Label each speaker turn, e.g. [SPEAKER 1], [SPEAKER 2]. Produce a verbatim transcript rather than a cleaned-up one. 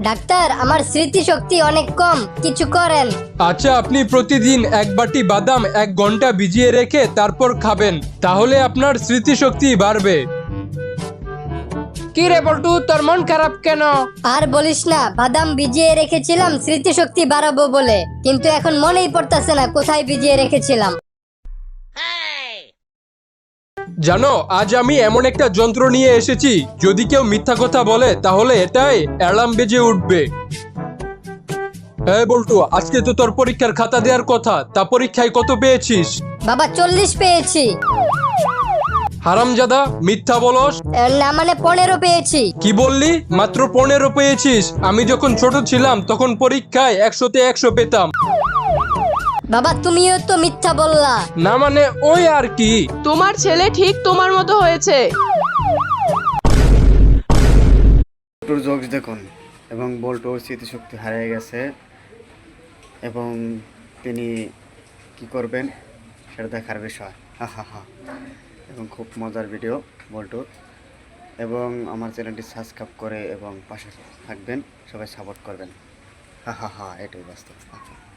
[SPEAKER 1] Doctor, আমার স্মৃতিশক্তি অনেক কম, কিছু করেন।
[SPEAKER 2] আচ্ছা, আপনি প্রতিদিন এক বাটি বাদাম এক ঘন্টা ভিজিয়ে রেখে তারপর খাবেন, তাহলে আপনার স্মৃতিশক্তি বাড়বে। কি রে বল্টু, তোর মন খারাপ কেন?
[SPEAKER 1] আর বলিস না, বাদাম ভিজিয়ে রেখেছিলাম স্মৃতিশক্তি বাড়াবো বলে, কিন্তু এখন মনেই পড়তাছে না কোথায় ভিজিয়ে রেখেছিলাম।
[SPEAKER 2] জানো, আজ আমি এমন একটা যন্ত্র নিয়ে এসেছি, যদি কেউ মিথ্যা কথা বলে তাহলে এটাই অ্যালার্ম বেজে উঠবে। এই বল্টু, আজকে তো তোর পরীক্ষার খাতা দেওয়ার কথা, তা পরীক্ষায় কত পেয়েছিস?
[SPEAKER 1] বাবা, চল্লিশ পেয়েছি।
[SPEAKER 2] হারামজাদা, মিথ্যা বলস।
[SPEAKER 1] এ, না মানে পনেরো পেয়েছি।
[SPEAKER 2] কি বললি? মাত্র পনেরো পেয়েছিস? আমি যখন ছোট ছিলাম তখন পরীক্ষায় একশোতে একশো পেতাম।
[SPEAKER 1] বাবা, তুমিও তো মিথ্যা বললা।
[SPEAKER 2] না মানে ওই আর কি।
[SPEAKER 3] তোমার ছেলে ঠিক তোমার মতো হয়েছে।
[SPEAKER 4] বল্টুর জোকস দেখুন, এবং বল্টুর স্মৃতিশক্তি হারিয়ে গেছে এবং তিনি কি করবেন সেটা দেখার বিষয়। হা হা হা। এবং খুব মজার ভিডিও বল্টুর, এবং আমার চ্যানেলটি সাবস্ক্রাইব করে এবং পাশে থাকবেন, সবাই সাপোর্ট করবেন। হা হা হা, এটাই বাস্তব।